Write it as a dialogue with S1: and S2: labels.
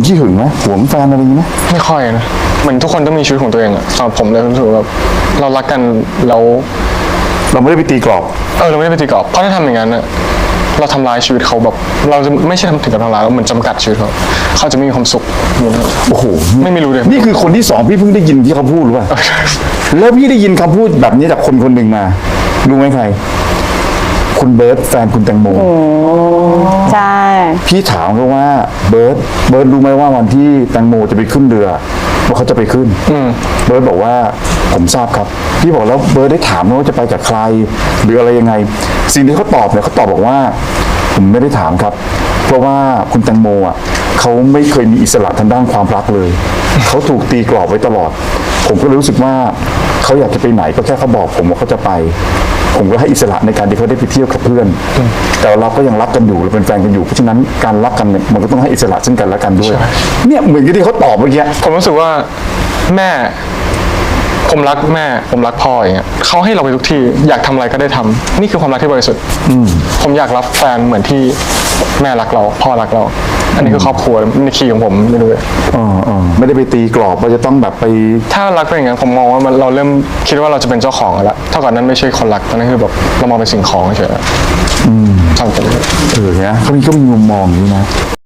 S1: ขี้หึงไหมหวงแฟนอะไรอย่างนี้ไหม
S2: ไม่ค่อยนะเหมือนทุกคนต้องมีชีวิตของตัวเองอะสำหรับผมเลยรู้สึกว่าเรารักกัน
S1: เราไม่ได้ไปตีกรอบ
S2: เราไม่ได้ไปตีกรอบเพราะถ้าทำอย่างนั้นอะเราทำลายชีวิตเขาแบบเราจะไม่ใช่ทำถึงกับทำลายเราเหมือนจำกัดชีวิตเขาจะไม่มีความสุข
S1: โอ้โห
S2: ไม่รู้เลย
S1: นี่คือคนที่2พี่เพิ่งได้ยินที่เขาพูดรู้ป่ะแล้วพี่ได้ยินคำพูดแบบนี้จากคนคนหนึ่งมารู้ไหมใครคุณเบิร์ตแฟนคุณแตงโม
S3: ใช่
S1: พี่ถามเขาว่าเบิร์ตรู้ไหมว่าวันที่แตงโมจะไปขึ้นเรือว่าเขาจะไปขึ้นเบิร์ตบอกว่าผมทราบครับพี่บอกแล้วเบิร์ตได้ถามว่าจะไปกับใครหรืออะไรยังไงสิ่งที่เขาตอบเนี่ยเขาตอบบอกว่าผมไม่ได้ถามครับเพราะว่าคุณแตงโมอ่ะเขาไม่เคยมีอิสระทางด้านความรักเลยเขาถูกตีกรอบไว้ตลอดผมก็รู้สึกว่าเขาอยากจะไปไหนก็แค่เขาบอกผมว่าเขาจะไปผมก็ให้อิสระในการที่เขาได้ไปเที่ยวกับเพื่อนแต่เราก็ยังรักกันอยู่เราเป็นแฟนกันอยู่เพราะฉะนั้นการรักกันเนี่ยมันก็ต้องให้อิสระซึ่งกันและกันด้วยเนี่ยเหมือนกับที่เขาตอบเมื่อกี้
S2: ผมรู้สึกว่าแม่ผมรักแม่ผมรักพ่ออย่างเงี้ยเขาให้เราไปทุกที่อยากทำอะไรก็ได้ทำนี่คือความรักที่บริสุทธิ์ผมอยากรับแฟนเหมือนที่แม่รักเราพ่อรักเราอันนี้คือครอบครัวในคีย์ของผมไม่รู้เลย
S1: ไม่ได้ไปตีกรอบว่าจะต้องแบบไป
S2: ถ้ารักเป็นอย่างนั้นผมมองว่าเราเริ่มคิดว่าเราจะเป็นเจ้าของแล้วเท่ากับนั้นไม่ใช่คนรักตอนนั้นคือแบบเรามองเป็นสิ่งของเฉยๆ
S1: เนี่ยเขามีมุมมองอย่างนี้นะ